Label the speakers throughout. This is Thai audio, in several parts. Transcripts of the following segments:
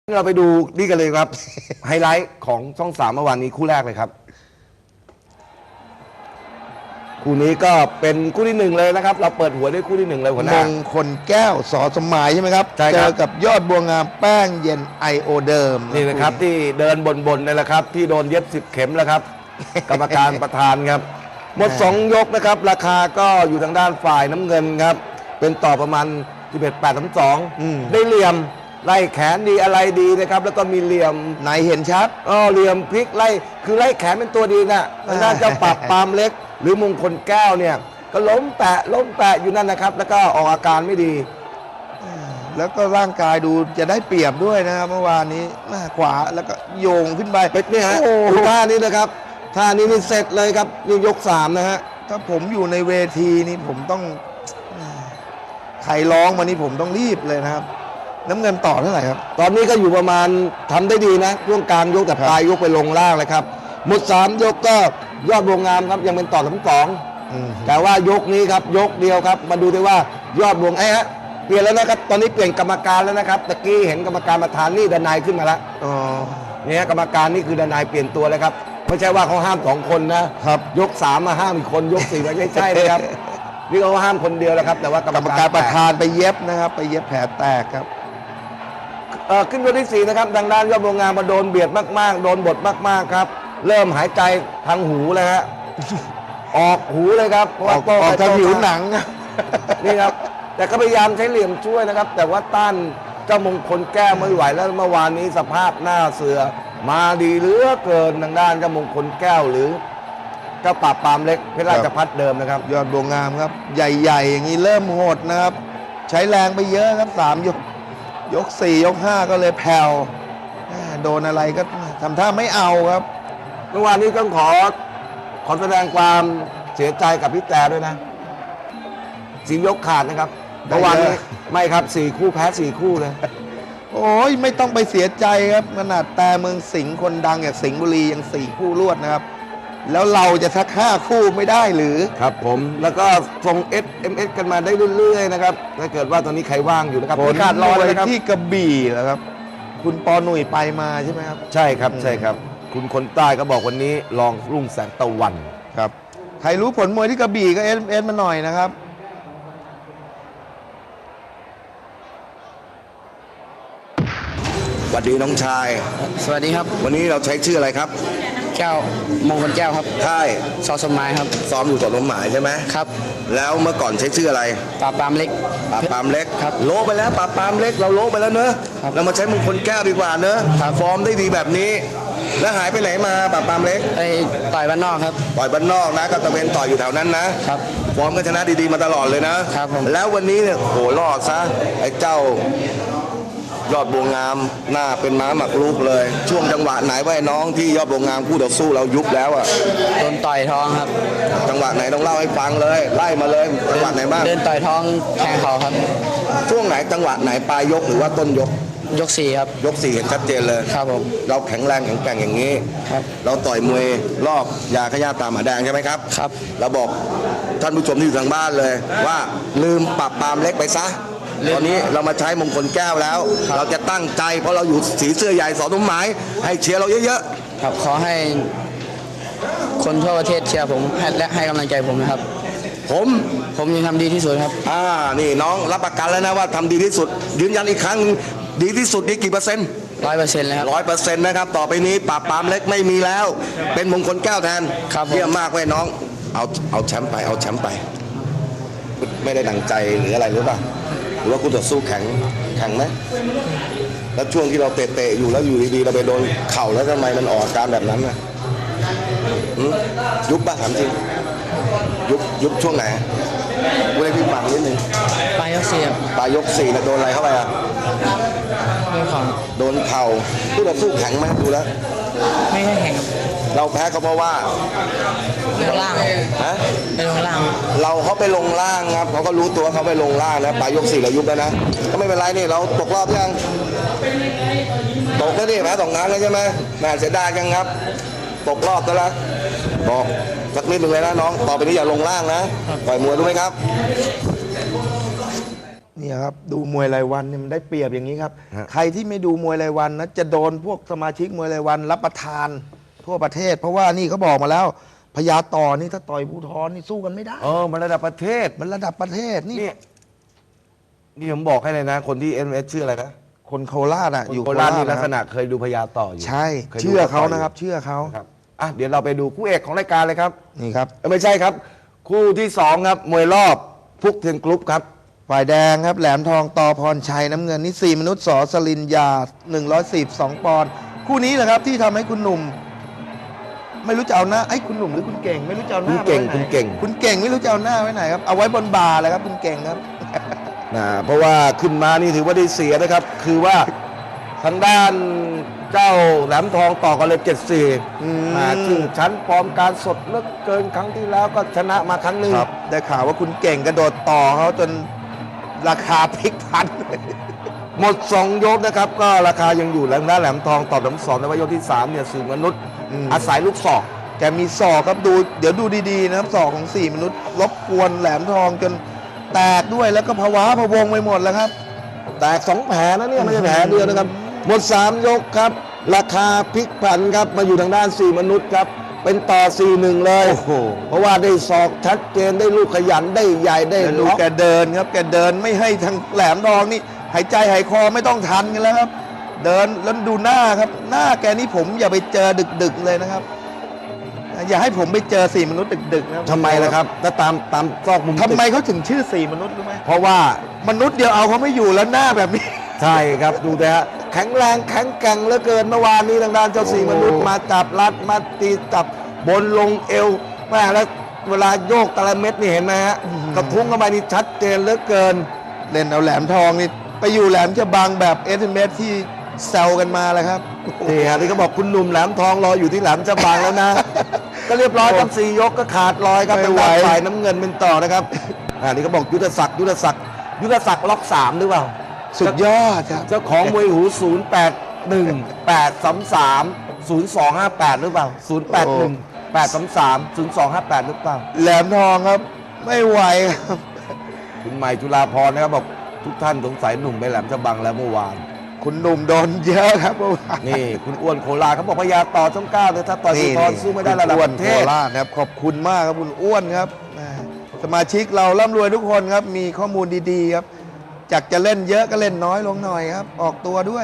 Speaker 1: เราไปดูนี่กันเลยครับ ไฮไลท์ของช่อง3เมื่อวานนี้คู่แรกเลยครับคู่นี้ก็เป็นคู่ที่1เลยนะครับเราเปิดหัวด้วยคู่ที่1เลยหัวหน้าม
Speaker 2: งคลแก้วสอสมหมายใช่ไหมครับ
Speaker 1: ใช่ครับ
Speaker 2: เจอกับยอดบัวงามแป้งเย็นไอโอเดิม
Speaker 1: นี่นะครับที่เดินบนๆนี่แหละครับที่โดนเย็บ10 เข็มแล้วครับ กรรมการประธานครับหมด2 ยกนะครับราคาก็อยู่ทางด้านฝ่ายน้ำเงินครับเป็นต่อประมาณ11-8-2ได้เหลี่ยมไล่แขนดีอะไรดีนะครับแล้วก็มีเหลี่ยม
Speaker 2: ไหนเห็นชัด
Speaker 1: เหลี่ยมพลิกไล่คือไล่แขนเป็นตัวดีนะทางด้านเจ้าปราบปรามเล็ก หรือมงคลแก้วเนี่ยก็ล้มแปะอยู่นั่นนะครับแล้วก็ออกอาการไม่ดี
Speaker 2: แล้วก็ร่างกายดูจะได้เปรียบด้วยนะครับเมื่อวานนี้ขวาแล้วก็โยงขึ้นไป
Speaker 1: เป็ดนี่ฮะท่านี้นะครับท่านี้นี่เสร็จเลยครับนี่ยก3นะฮะ
Speaker 2: ถ้าผมอยู่ในเวทีนี้ผมต้องใครร้องมานี่ผมต้องรีบเลยนะครับน้ำเงินต่อเท่าไหร่ครับ
Speaker 1: ตอนนี้ก็อยู่ประมาณทำได้ดีนะช่วงกลางยกแต่ปลายยกไปลงล่างเลยครับหมด3 ยกก็ยอดบัวงามครับยังเป็นต่อ2แต่ว่ายกนี้ครับยกเดียวครับมาดูได้ว่ายอดบัวฮะเปลี่ยนแล้วนะครับตอนนี้เปลี่ยนกรรมการแล้วนะครับตะกี้เห็นกรรมการประธานนี่ดนายขึ้นมาแล้วเนี่ยกรรมการนี่คือดนายเปลี่ยนตัวเลยครับไม่ใช่ว่าเขาห้าม2 คนนะครับยก3มาห้ามอีกคนยก4ไม่ใช่นะครับนี่เขาห้ามคนเดียวแล้วครับแต่ว่ากรรมการ
Speaker 2: ประธานไปเย็บนะครับไปเย็บแผลแตกครับ
Speaker 1: ขึ้นตัวที่4นะครับดังด้านยอดบัวงามมาโดนเบียดมากๆโดนบดมากๆครับเริ่มหายใจทางหูเลยฮะออกหูเลยครับเพราะว่า
Speaker 2: ออกทางผิวหนัง
Speaker 1: นี่ครับแต่ก็พยายามใช้เหลี่ยมช่วยนะครับแต่ว่าต้านเจ้ามงคลแก้วไม่ไหวแล้วเมื่อวานนี้สภาพหน้าเสือมาดีเหลือเกินทางด้านเจ้ามงคลแก้วหรือเจ้าปราบปรามเล็กเพชรราชภัฏเดิมนะครับ
Speaker 2: ยอดบัวงามครับใหญ่ๆอย่างนี้เริ่มโหดนะครับใช้แรงไปเยอะครับ3 ยก 4 ยก 5ก็เลยแผ่วโดนอะไรก็ทำท่าไม่เอาครับ
Speaker 1: เมื่อวานนี้ต้องขอแสดงความเสียใจกับพี่แต่ด้วยนะ4 ยกขาดนะครับเมื่อวานนี้ไม่ครับ4 คู่แพ้4 คู่เลย
Speaker 2: โอ้ยไม่ต้องไปเสียใจครับขนาดแต่เมืองสิงห์คนดังอย่างสิงห์บุรียัง4 คู่รวดนะครับแล้วเราจะสัก5 คู่ไม่ได้หรือ
Speaker 1: ครับผมแล้วก็ส่ง SMS กันมาได้เรื่อยๆนะครับถ้าเกิดว่าตอนนี้ใครว่างอยู่นะครับ
Speaker 2: ผลขาดรอเลยครับที่กระบี่เหรอครับคุณปอหนุ่ยไปมาใช่ไหมครับ
Speaker 1: ใช่ครับใช่ครับคุณคนใต้ก็บอกวันนี้ลองรุ่งแสงตะวัน
Speaker 2: ครับใครรู้ผลมวยที่กระบี่ก็SMS มาหน่อยนะครับ
Speaker 1: สวัสดีน้องชาย
Speaker 3: สวัสดีครับ
Speaker 1: วันนี้เราใช้ชื่ออะไรครับ
Speaker 3: แก้วมงคลแก้วครับ
Speaker 1: ใช่
Speaker 3: สอสมหมายครับ
Speaker 1: ซ้อมอยู่ต่อลมหมายใช่ไหม
Speaker 3: ครับ
Speaker 1: แล้วเมื่อก่อนใช้ชื่ออะไร
Speaker 3: ปราบปรามเล็ก
Speaker 1: ปราบปรามเล็ก
Speaker 3: ครับ
Speaker 1: โลไปแล้วปราบปรามเล็กเราโลไปแล้วเนอะเรามาใช้มงคลแก้วดีกว่าเนอะฟอร์มได้ดีแบบนี้แล้วหายไปไหนมาปราบปรามเล็ก
Speaker 3: ไปต่อยบ้านนอกครับ
Speaker 1: ต่อยบ้านนอกนะก็ตะเวนต่อยอยู่แถวนั้นนะครับฟอร์มก็ชนะดีๆมาตลอดเลยนะครับ
Speaker 3: ผม
Speaker 1: แล้ววันนี้เนี่ยโหรอดซะไอ้เจ้ายอดบัวงามหน้าเป็นม้าหมักลูกเลยช่วงจังหวะไหนว่าน้องที่ยอดบัวงามคู่ต่อสู้เรายุบแล้วอ่ะ
Speaker 3: โดนต่อยท้องครับ
Speaker 1: จังหวะไหนต้องเล่าให้ฟังเลยไล่มาเลยจังหวะไหนบ้าง
Speaker 3: เดินต่อยท้องแทงเขาครับ
Speaker 1: ช่วงไหนจังหวะไหนปลายยกหรือว่าต้นยก
Speaker 3: ยก4ครับ
Speaker 1: ยก4เห็นชัดเจนเลย
Speaker 3: ครับผม
Speaker 1: เราแข็งแรงแข็งแกร่งอย่างนี้
Speaker 3: ครับ
Speaker 1: เราต่อยมวยรอบยาขย้าตาหมาแดงใช่ไหมครับ
Speaker 3: ครับ
Speaker 1: เราบอกท่านผู้ชมที่อยู่ทางบ้านเลยว่าลืมปราบปรามเล็กไปซะตอนนี้เรามาใช้มงคลแก้วแล้วเราจะตั้งใจเพราะเราอยู่สีเสื้อใหญ่สอสมหมายให้เชียร์เราเยอะ
Speaker 3: ๆครับขอให้คนทั่วประเทศเชียร์ผมและให้กำลังใจผมนะครับผมยังทำดีที่สุดครับ
Speaker 1: นี่น้องรับประกันแล้วนะว่าทำดีที่สุดยืนยันอีกครั้งดีที่สุดนี่กี่เปอร์เซ็นต์
Speaker 3: 100%เลยครับ
Speaker 1: 100%นะครับต่อไปนี้ปราบปรามเล็กไม่มีแล้วเป็นมงคลแก้วแทนเยี่ยมมากเว้ยน้องเอาแชมป์ไปเอาแชมป์ไปไม่ได้ดังใจหรืออะไรหรือเปล่าหรือว่าคู่ต่อสู้แข็งไหมแล้วช่วงที่เราเตะอยู่แล้วอยู่ดีๆเราไปโดนเข่าแล้วทำไมมันออกอาการแบบนั้นน่ะยุบป่ะถามจริงยุบช่วงไหนกูได้พี่ฟังนิดนึง
Speaker 3: ปลายยก4
Speaker 1: ปลายยก4แล้วโดนอะไรเข้าไปอ่ะโดนเข่าคู่ต่อสู้แข็งไหมดูแล้ว
Speaker 3: ไม่ค่อยแข็ง
Speaker 1: เราแพ้เขาเพราะว่า
Speaker 3: ลงล่าง
Speaker 1: ฮะ
Speaker 3: ไปลงล่าง
Speaker 1: เขาไปลงล่างครับเขาก็รู้ตัวเขาไปลงล่างนะปลายยก4เรายุบแล้วนะก็ไม่เป็นไรนี่เราตกรอบยังตกแล้วนี่แพ้2 ครั้งแล้วใช่ไหมแม่เสียดายยังครับตกรอบแล้วบอกสักนิดหนึ่งเลยนะน้องต่อไปนี้อย่าลงล่างนะต่อยมวยรู้ไหมครับ
Speaker 2: เนี่ยครับดูมวยรายวันเนี่ยมันได้เปรียบอย่างนี้ครับ
Speaker 1: ฮะ
Speaker 2: ใครที่ไม่ดูมวยรายวันนะจะโดนพวกสมาชิกมวยรายวันรับประทานทั่วประเทศ เพราะว่านี่เขาบอกมาแล้วพญาต่อนี่ถ้าต่อยภูทรนี่สู้กันไม่ได้
Speaker 1: มันระดับประเทศ
Speaker 2: มันระดับประเทศนี่
Speaker 1: นี่ผมบอกให้เลยนะ คนที่ NS ชื่ออะไรนะ
Speaker 2: คนโคราชอ่ะ
Speaker 1: อ
Speaker 2: อยู่
Speaker 1: ยู่โคราชนี่ลักษ
Speaker 2: นะ
Speaker 1: ณะเคยดูพญาต่ออยู่
Speaker 2: ใช่
Speaker 1: คยดู
Speaker 2: เชื่อเขา
Speaker 1: ต่ยู่
Speaker 2: นะครับ เชื่อเขา
Speaker 1: ครับอ่ะเดี๋ยวเราไปดูคู่เอกของรายการเลยครับ
Speaker 2: นี่ครับ
Speaker 1: ไม่ใช่ครับ คู่ที่2ครับมวยรอบพุกเทียนกรุ๊ปครับ
Speaker 2: ฝ่ายแดงครับแหลมทองตอพรชัยน้ำเงินนี่4มนุษย์สอสลินยา142ปอนด์คู่นี้แหละครับที่ทำให้คุณหนุ่ม ไม่รู้จะเอาหน้าไอ้ยคุณหนุ่มหรือคุณเก่ง ไม่รู้จะเอาหน้า
Speaker 1: คุณเก่ง
Speaker 2: ไว้ไหน
Speaker 1: คุณเก่ง
Speaker 2: คุณเก่งไม่รู้จะเอาหน้าไว้ไหนครับเอาไว้บนบ่าเลยครับคุณเก่งครับ
Speaker 1: เพราะว่าขึ้นมานี่ถือว่าได้เสียนะครับ คือว่าทางด้านเจ้าแหลมทองต่อกันเลย74ชื่อชั้นฟอร์มการสดเหลือกเกินครั้งที่แล้วก็ชนะมาครั้งหนึ่ง
Speaker 2: ครับได้ข่าวว่าคุณเก่งกระโดดต่อเขาจนราคาพลิกพัน
Speaker 1: หมด 2 ยกนะครับ ก็ราคายังอยู่แล้วด้านแหลมทองต่อแหลมสองในว่ายกที่ 3 เนี่ยสื่อมนุษย์ อาศัยลูกศอก
Speaker 2: แกมีศอกครับดูเดี๋ยวดูดีๆนะครับศอกของ4มนุษย์รบกวนแหลมทองจนแตกด้วยแล้วก็ภาวะพะวงไปหมดแล้วครับ
Speaker 1: แตก2 แผลนะเนี่ยไม่ใช่แผลเดียวนะครับ หมด 3 ยกครับ ราคาพลิกผันครับมาอยู่ทางด้าน 4 มนุษย์ครับ เป็นต่อ 4-1 เลย
Speaker 2: โอ้โห
Speaker 1: เพราะว่าได้ศอกชัดเจนได้ลูกขยันได้ใหญ่ได้
Speaker 2: แล้วดู
Speaker 1: ล็อก
Speaker 2: แกเดินครับแกเดินไม่ให้ทางแหลมทองนี่หายใจหายคอไม่ต้องทันกันแล้วครับ เดินแล้วดูหน้าครับ หน้าแกนี่ผมอย่าไปเจอดึกๆเลยนะครับ อย่าให้ผมไปเจอ4มนุษย์ดึกๆนะ
Speaker 1: ทำไมล่ะครับถ้าตามซอกมุม
Speaker 2: ทำไม
Speaker 1: ตึก
Speaker 2: เขาถึงชื่อ4มนุษย์รู้ไหม
Speaker 1: เพราะว่า
Speaker 2: มนุษย์เดียวเอาเขาไม่อยู่แล้วหน้าแบบนี้
Speaker 1: ใช่ครับดูแต่ฮะแข็งแรงแข็งแกร่งเหลือเกินเมื่อวานนี้ทางด้านเจ้า
Speaker 2: โอ้
Speaker 1: 4 มนุษย์มาจับรัดมาตีจับบนลงเอวแม่แล้วเวลาโยกแต่ละเม็ดนี่เห็นไหมฮะกระทุ้งเข้าไปนี่ชัดเจนเหลือเกิน
Speaker 2: เล่นเอาแหลมทองนี่ไปอยู่แหลมฉบังแบบเอสเมที่แซวกันมาแล้วครับ
Speaker 1: นี่ฮะที่เขาบอกคุณหนุ่มแหลมทองรออยู่ที่แหลมฉบังแล้วนะ ก็เรียบร้อยทั้ง4 ยกก็ขาดลอยครับ
Speaker 2: ไม่
Speaker 1: เป็น
Speaker 2: ไหว
Speaker 1: ฝ่ายน้ำเงินเป็นต่อนะครับนี่เขาบอกยุทธศักดิ์ล็อก3หรือเปล่า
Speaker 2: สุดยอดครับ
Speaker 1: เจ้าของมวยหู 0818330258 หรือเปล่า 0818330258 หรือเปล่า
Speaker 2: แหลมทองครับ ไม่ไหวครับ
Speaker 1: คุณใหม่จุฬาพรนะครับบอกทุกท่านสงสัยหนุ่มไปแหลมฉบังแล้วเมื่อวาน
Speaker 2: คุณหนุ่มโดนเยอะครับเมื่อวาน
Speaker 1: นี่คุณอ้วนโคราชเขาบอกพยาต่อช่อง9เลยถ้าต่อยภูธรสู้ไม่ได้ระดับ
Speaker 2: อ้ว
Speaker 1: ป
Speaker 2: น
Speaker 1: ระ
Speaker 2: โค
Speaker 1: เทศ
Speaker 2: ราชครับขอบคุณมากครับคุณอ้วนครับแหมสมาชิกเราร่ำรวยทุกคนครับ มีข้อมูลดีๆครับจากจะเล่นเยอะก็เล่นน้อยลงหน่อยครับ ออกตัวด้วย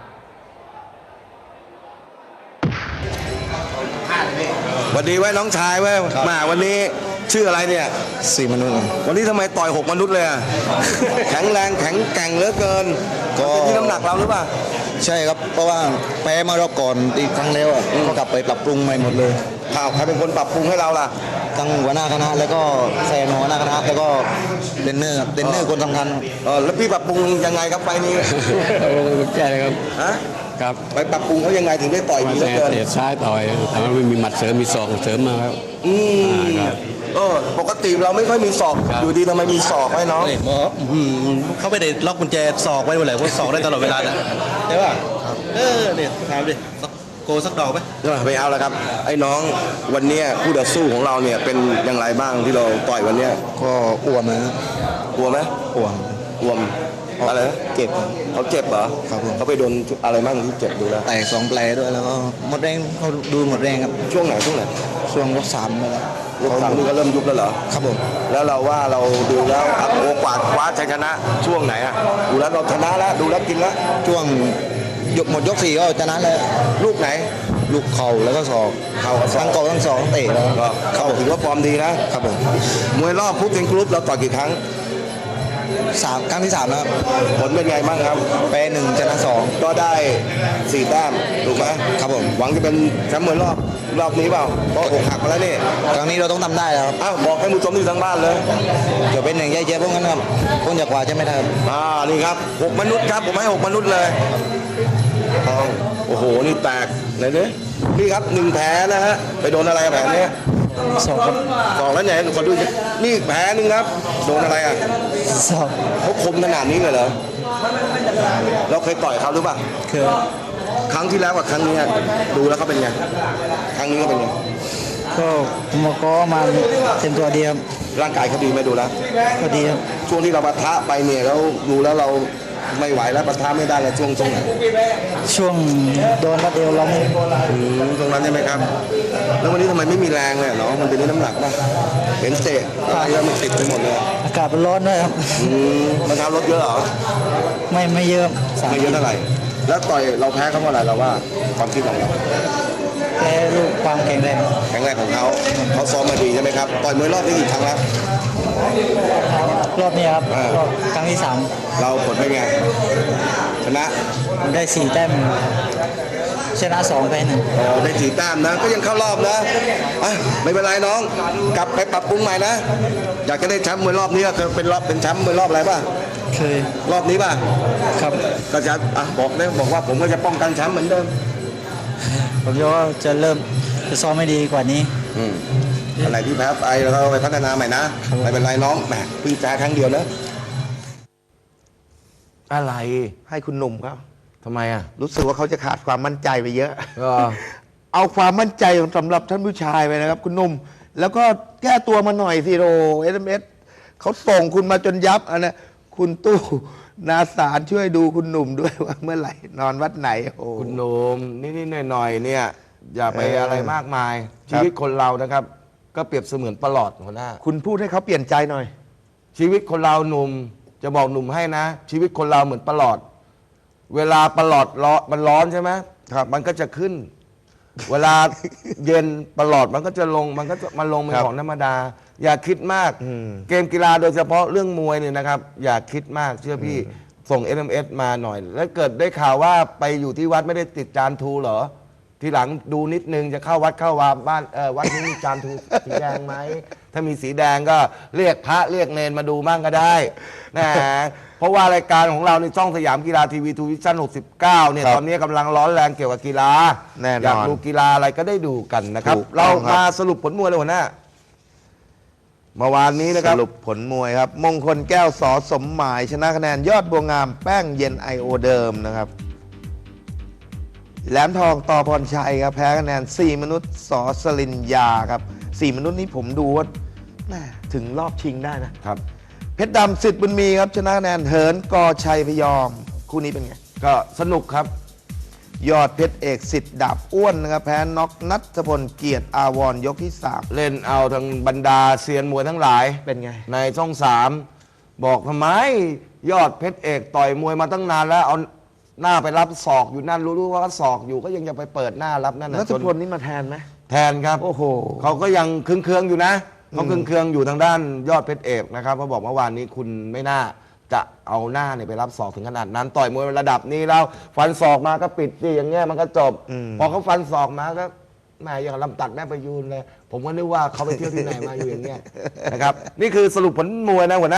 Speaker 1: สวัสดีไว้น้องชายไว้มาวันนี้ชื่ออะไรเนี่ย
Speaker 4: 4 มนุษย์
Speaker 1: วันนี้ทำไมต่อย6 มนุษย์เลยอะ แข็งแรงแข็งแกร่งเหลือเกิน
Speaker 4: ก็
Speaker 1: เป็นที่น้ำหนักเราหรือเปล่า
Speaker 4: ใช่ครับ เพราะว่าแพ้มารอบก่อนอีกครั้งแล้วอะก็กลับไปปรับปรุงใหม่หมดเลย
Speaker 1: ข่าวใครเป็นคนปรับปรุงให้เราล่ะ
Speaker 4: ทั้งหัวหน้าคณะแล้วก็แซนหัวหน้าคณะแล้วก็เทรนเนอร์ครับเทรนเนอร์คนสำคัญครับ
Speaker 1: แล้วพี่ปรับปรุงยังไงครับไฟล์นี้
Speaker 5: แก้เลยครับ
Speaker 1: ฮะ
Speaker 5: ครับ
Speaker 1: ไปปรับปรุงเขายังไงถึงได้ต่อย
Speaker 5: มา
Speaker 1: ดีเหลือ
Speaker 5: แต่
Speaker 1: เกิน
Speaker 5: เตะซ้ายต่อยแต่ว่าไม่มีหมัดเสริมมีศอกเสริมมาครับ
Speaker 1: อืม
Speaker 5: ครับ
Speaker 1: ปกติเราไม่ค่อยมีศอก
Speaker 5: ครับ
Speaker 1: อยู่ดีทำไมมีศอกให้น้อง
Speaker 6: หมอเขาไม่ได้ล็อกกุญแจศอกไว้เมื่อไหร่เขาศอกได้ตลอดเวลานะใช่ป่ะเนี่ยถามดิโกสักดอกไหม
Speaker 1: ไปเอาแล้วครับ ไอ้น้องวันเนี้ยคู่ต่อสู้ของเราเนี่ยเป็นอย่างไรบ้างที่เราต่อยวันเนี้ย
Speaker 4: ก็อ้วนนะครับ
Speaker 1: กลัวไหม
Speaker 4: อ้วน
Speaker 1: กลัวมอะไรนะ
Speaker 4: เก็บ
Speaker 1: เขาเจ็บเหรอ
Speaker 4: ครับผม
Speaker 1: เขาไปโดนอะไรบ้างที่เจ็บดูแล้ว
Speaker 4: แตก2 แผลด้วยแล้วก็หมดแรงเขาดูหมดแรงครับ
Speaker 1: ช่วงไหน
Speaker 4: ช่วงยก3แล้ว
Speaker 1: ยกสามนี่ก็เริ่มยุบแล้วเหรอ
Speaker 4: ครับผม
Speaker 1: แล้วเราว่าเราดูแล้วโอกาสคว้าชัยชนะช่วงไหนอะดูแล้วเราชนะแล้วดูแล้วกินแล้ว
Speaker 4: ช่วงหมดยก4ก็ชนะแล้ว
Speaker 1: ลูกไหน
Speaker 4: ลูกเข่าแล้วก็ศอก
Speaker 1: เข่ากับศอก
Speaker 4: ทั้งเข่าทั้งศอกเตะแล้ว
Speaker 1: ก็เขาถือว่าฟอร์มดีนะครับ
Speaker 4: ผม
Speaker 1: มวยรอบพุกเทนกรุ๊ปเราต่อยกี่ครั้ง
Speaker 4: ครั้งที่3แล้วครับ
Speaker 1: ผลเป็นไงบ้างครับ
Speaker 4: แพ้1ชนะ2
Speaker 1: ก็ได้4 แต้มถูกไหม
Speaker 4: ครับผม
Speaker 1: หวังจะเป็นแชมป์มวยรอบนี้เปล่าเพราะอกหักมาแล้วนี่
Speaker 4: ครั้งนี้เราต้องทำได้แล้วครับ
Speaker 1: อ้าวบอกให้ผู้ชมที่อยู่ทางบ้านเลย
Speaker 4: จะเป็นอย่างแย่ๆพวกนั้นครับพวกจากกว่าจะไม่ได้ครับ
Speaker 1: นี่ครับ6 มนุษย์ครับผมให้6 มนุษย์เลยทองโอ้โหนี่แตกไหนเนี่ยนี่ครับ1 แผลนะฮะไปโดนอะไรกับแผลเนี้ย
Speaker 4: ศอกครับ
Speaker 1: สองแล้วไหนขอดูสินี่อีกแผลหนึงครับโดนอะไรอ่ะ
Speaker 4: ศอก
Speaker 1: เขาคมขนาดนี้เลยเหรอเราเคยต่อยเขาหรือเปล่า
Speaker 4: คือ
Speaker 1: ครั้งที่แล้วกับครั้งนี้อะดูแล้วเขาเป็นไงครั้งนี้เขาเป็นไง
Speaker 4: ก็ผมก็มาเต็มตัวเดียว
Speaker 1: เร่างกายเขาดีไหมดูแล้ว
Speaker 3: ก็ดีครับ
Speaker 1: ช่วงที่เราปะทะไปเนี่ยแล้วดูแล้วเราไม่ไหวแล้วปะทะไม่ได้แล้วช่วงไหน
Speaker 3: ช่วงโดนรัดเอวเราไม่
Speaker 1: ตรงนั้นใช่ไหมครับ แล้ววันนี้ทำไมไม่มีแรงเลยเนาะมันเป็นเรื่องน้ำหนักป่ะเห็นเตะอะไรแล้วมันติดไปหมดเลย
Speaker 3: อากาศมันร้อนด้วยครับ
Speaker 1: มันทำรถเยอะเหรอ
Speaker 3: ไม่เยอะสาม
Speaker 1: ไม่เยอะเท่าไหร่แล้วต่อยเราแพ้เขาเพราะอะไรเราว่าความคิดของเรา
Speaker 3: แพ้ลูกความแข็งแรง
Speaker 1: แข็งแรงของเขาซ้อมมาดีใช่ไหมครับต่อยมวยรอบนี้กี่ครั้งแล้ว
Speaker 3: รอบนี้ครับรอบครั้งที่
Speaker 1: เราผลเป็นไงชนะ
Speaker 3: 3ผมได้4 แต้มชนะ2 แพ้1
Speaker 1: ได้4 แต้มนะก็ยังเข้ารอบนะอ่ะไม่เป็นไรน้องกลับไปปรับปรุงใหม่นะอยากจะได้แชมป์มวยรอบนี้ก็คือเป็นแชมป์มวยรอบอะไรป่ะ
Speaker 3: เคย
Speaker 1: รอบนี้ป่ะ
Speaker 3: ครับ
Speaker 1: ก็จะบอกว่าผมก็จะป้องกันแชมป์เหมือนเดิม
Speaker 3: ผมคิดว่าจะเริ่มจะซ้อมไม่ดีกว่านี้
Speaker 1: อะไรที่แพ้ไปเราก็ไปพัฒนาใหม่นะไม่เป็นไรน้องแหมเพิ่งแพ้ครั้งเดียวนะอะไร
Speaker 2: ให้คุณหนุ่มครับ
Speaker 1: ทำไมอ่ะ
Speaker 2: รู้สึกว่าเขาจะขาดความมั่นใจไปเยอะ
Speaker 1: ก็
Speaker 2: เอาความมั่นใจสำหรับท่านผู้ชายไปนะครับ คุณหนุ่ม แล้วก็แก้ตัวมาหน่อยสิโรSMS เขาส่งคุณมาจนยับอันนะคุณตู้นาสารช่วยดูคุณหนุ่มด้วยว่าเมื่อไหร่นอนวัดไหนโอ้
Speaker 1: คุณโนมนี่หน่อยๆเนี่ยอย่าไป
Speaker 2: เอออ
Speaker 1: อะไรมากมาย
Speaker 2: ครับ
Speaker 1: ชีวิตคนเรานะครับ ก็เปรียบเสมือนประหลอดหัวหน้า
Speaker 2: คุณพูดให้เขาเปลี่ยนใจหน่อย
Speaker 1: ชีวิตคนเราหนุ่มจะบอกหนุ่มให้นะ ชีวิตคนเราเหมือนประหลอด เวลาประหลอดมันร้อนใช่ไหมครับ มันก็จะขึ้น เวลาเย็นประหลอดมันก็จะลงมันลงเป็น
Speaker 2: ครับ
Speaker 1: ของธรรมดา อย่าคิดมาก เกมกีฬาโดยเฉพาะเรื่องมวยเนี่ยนะครับ อย่าคิดมากเชื่อพี่ส่ง SMS มาหน่อย แล้วเกิดได้ข่าวว่าไปอยู่ที่วัดไม่ได้ติดจานทูเหรอ ทีหลังดูนิดนึงจะเข้าวัดเข้าวาบ้านวัดนี้มีจานทูสีแดงไหมถ้ามีสีแดงก็เรียกพระเรียกเนนมาดูมั่งก็ได้นะเพราะว่ารายการของเราในช่องสยามกีฬาทีวีทูวิชั่น69เนี่ย
Speaker 2: ครับ
Speaker 1: ตอนนี้กำลังร้อนแรงเกี่ยวกับกีฬา
Speaker 2: แน่นอน
Speaker 1: อยากดูกีฬาอะไรก็ได้ดูกันนะครับ
Speaker 2: ถูกต้
Speaker 1: เรา
Speaker 2: องครับ
Speaker 1: มาสรุปผลมวยเลยหัวหน้าเมื่อวานนี้นะค
Speaker 2: ส
Speaker 1: รับ
Speaker 2: รุปผลมวยครับ มงคลแก้วสอสมหมาย ชนะคะแนนยอดบัวงามแป้งเย็นไอโอเดิมนะครับ แหลมทองต่อพรชัยครับ แพ้คะแนน 4 มนุษย์สอสลินยาครับ 4 มนุษย์นี้ผมดูว่าแม่ถึงรอบชิงได้นะ
Speaker 1: ครับ
Speaker 2: เพชรดำสิทธิ์บุญมีครับ ชนะคะแนนเหินกอชัยพยอม คู่นี้เป็นไง
Speaker 1: ก็สนุกครับ
Speaker 2: ยอดเพชรเอกสิทธิ์ดาบอ้วนนะครับ แพ้น็อกนัทพลเกียรติอาวรณ์ยกที่
Speaker 1: เล่นเอาทางบรรดาเซียนมวยทั้งหลาย
Speaker 2: 3 เป็นไง
Speaker 1: ในช่องสามบอกทำไมยอดเพชรเอกต่อยมวยมาตั้งนานแล้วเอาหน้าไปรับศอกอยู่นั่นรู้ว่าศอกอยู่ก็ยังจะไปเปิดหน้ารับนั่น
Speaker 2: นั
Speaker 1: นะ
Speaker 2: ท
Speaker 1: จน
Speaker 2: พลนี่มาแทนไหม
Speaker 1: แทนครับ
Speaker 2: โอ้โห
Speaker 1: เขาก็ยังเคืองๆอยู่นะเขาเคืองๆอยู่ทางด้านยอดเพชรเอกนะครับเขาบอกเมื่อวานนี้คุณไม่น่าจะเอาหน้าเนี่ยไปรับศอกถึงขนาดนั้น ต่อยมวยระดับนี้แล้วฟันศอกมาก็ปิดสิอย่างเงี้ยมันก็จบ พอเขาฟันศอกมาก็แหม่อย่างลำตัดแม่ประยูนเลย ผมก็นึกว่าเขาไปเที่ยวที่ไหนมาอยู่อย่างเงี้ยนะครับนี่คือสรุปผลมวยนะหัวหน้า